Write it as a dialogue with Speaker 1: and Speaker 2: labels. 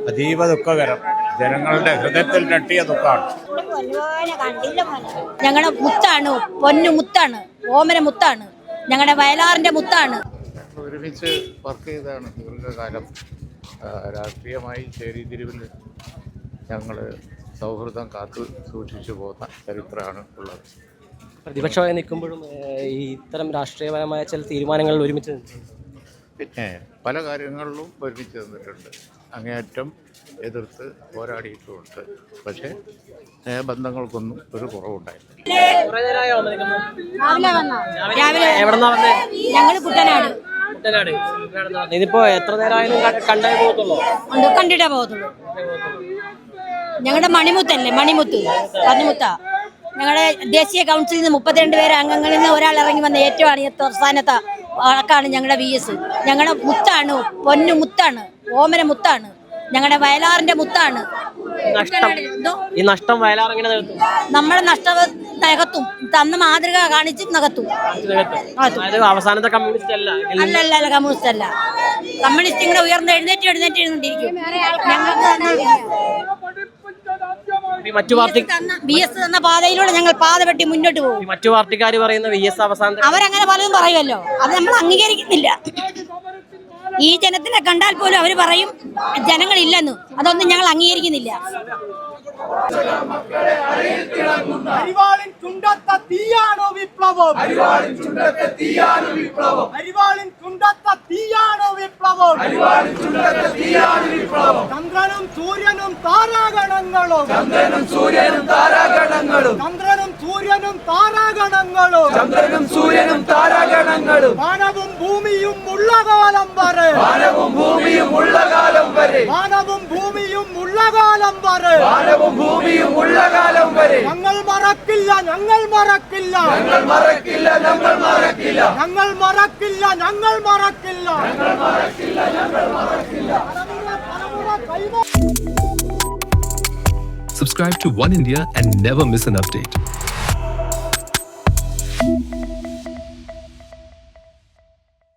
Speaker 1: അതീവ ദുഃഖകരം. ജനങ്ങളുടെ ഹൃദയത്തിൽ തട്ടിയ ദുഃഖമാണ്.
Speaker 2: ഞങ്ങളുടെ മുത്താണ്, പൊന്നു മുത്താണ്, ഓമന മുത്താണ്, ഞങ്ങളുടെ വയലാറിന്റെ മുത്താണ്.
Speaker 1: ഒരുമിച്ച് വർക്ക് ചെയ്താണ് ദീർഘകാലം. രാഷ്ട്രീയമായി ചേരിതിരിവിൽ ഞങ്ങൾ സൗഹൃദം കാത്തു സൂക്ഷിച്ചു പോകുന്ന ചരിത്രമാണ് ഉള്ളത്.
Speaker 3: പ്രതിപക്ഷമായി നിൽക്കുമ്പോഴും ഈ ഇത്തരം രാഷ്ട്രീയപരമായ ചില തീരുമാനങ്ങളിൽ ഒരുമിച്ച് നിന്നിട്ടുണ്ട്.
Speaker 1: പിന്നെ പല കാര്യങ്ങളിലും ഒരുമിച്ച് നിന്നിട്ടുണ്ട്. അങ്ങേയറ്റം എതിർത്ത് പോരാടിയിട്ടുമുണ്ട്. പക്ഷേ ബന്ധങ്ങൾക്കൊന്നും ഒരു കുറവുണ്ടായില്ല.
Speaker 2: ഞങ്ങൾ കുട്ടനാട്.
Speaker 3: ഇതിപ്പോ എത്ര നേരമായാലും കണ്ടേ പോകത്തുള്ളൂ?
Speaker 2: കണ്ടിട്ടേ പോകത്തുള്ളൂ. ഞങ്ങളുടെ മണിമുത്തല്ലേ, മണിമുത്ത ഞങ്ങളുടെ ദേശീയ കൗൺസിലിൽ നിന്ന് 32 പേര് അംഗങ്ങളിൽ നിന്ന് ഒരാൾ ഇറങ്ങി വന്ന ഏറ്റവും അവസാനത്തെ ആൾക്കാണ് ഞങ്ങളുടെ VS. ഞങ്ങളുടെ മുത്താണ്, പൊന്നു മുത്താണ്, ഓമന മുത്താണ്, ഞങ്ങളുടെ വയലാറിന്റെ മുത്താണ്.
Speaker 3: ഈ നഷ്ടം വയലാർ എങ്ങനെ നികത്തും?
Speaker 2: നമ്മുടെ നഷ്ടം നികത്തും. തന്ന മാതൃക കാണിച്ച് നികത്തും.
Speaker 3: അവസാനത്തെ കമ്മ്യൂണിസ്റ്റ് അല്ല,
Speaker 2: അല്ല കമ്മ്യൂണിസ്റ്റ് അല്ല. കമ്മ്യൂണിസ്റ്റ് ഇങ്ങനെ എഴുന്നേറ്റിരുന്നിരിക്കും. ഞങ്ങൾക്ക്
Speaker 3: മറ്റു പാർട്ടി
Speaker 2: VS തന്ന പാതയിലൂടെ ഞങ്ങൾ പാത വെട്ടി മുന്നോട്ട് പോകും.
Speaker 3: മറ്റു പാർട്ടിക്കാർ പറയുന്ന VS അവസാനം
Speaker 2: അവരങ്ങനെ പലതും പറയുമല്ലോ, അത് നമ്മൾ അംഗീകരിക്കുന്നില്ല. ഈ ജനത്തിനെ കണ്ടാൽ പോലും അവർ പറയും ജനങ്ങളില്ലെന്ന്. അതൊന്നും ഞങ്ങൾ അംഗീകരിക്കുന്നില്ല.
Speaker 4: അരിവാളിൻ ചുണ്ടത്ത തീയാണോ വിപ്ലവം? അരിവാളിൻ ചുണ്ടത്ത തീയാണോ വിപ്ലവം? അരിവാളിൻ ചുണ്ടത്ത തീയാണോ വിപ്ലവം? അരിവാളിൻ ചുണ്ടത്ത തീയാണോ വിപ്ലവം? ചന്ദ്രനും സൂര്യനും താരാഗണങ്ങളും, ചന്ദ്രനും സൂര്യനും താരാഗണങ്ങളും, ചന്ദ്രനും സൂര്യനും താരാഗണങ്ങളും, ചന്ദ്രനും സൂര്യനും താരാഗണങ്ങളും, വാനവും ഭൂമിയും ഉള്ള കാലം വരെ, വാനവും ഭൂമിയും ഉള്ള കാലം വരെ, വാനവും ഭൂമിയും ഉള്ള കാലം വരെ, വാനവും ഭൂമിയും ഉള്ള കാലം വരെ ഞങ്ങൾ മറക്കില്ല, ഞങ്ങൾ മറക്കില്ല, ഞങ്ങൾ മറക്കില്ല, ഞങ്ങൾ മറക്കില്ല, ഞങ്ങൾ മറക്കില്ല, ഞങ്ങൾ മറക്കില്ല, ഞങ്ങൾ മറക്കില്ല, ഞങ്ങൾ മറക്കില്ല.
Speaker 5: Subscribe to One India and never miss an update.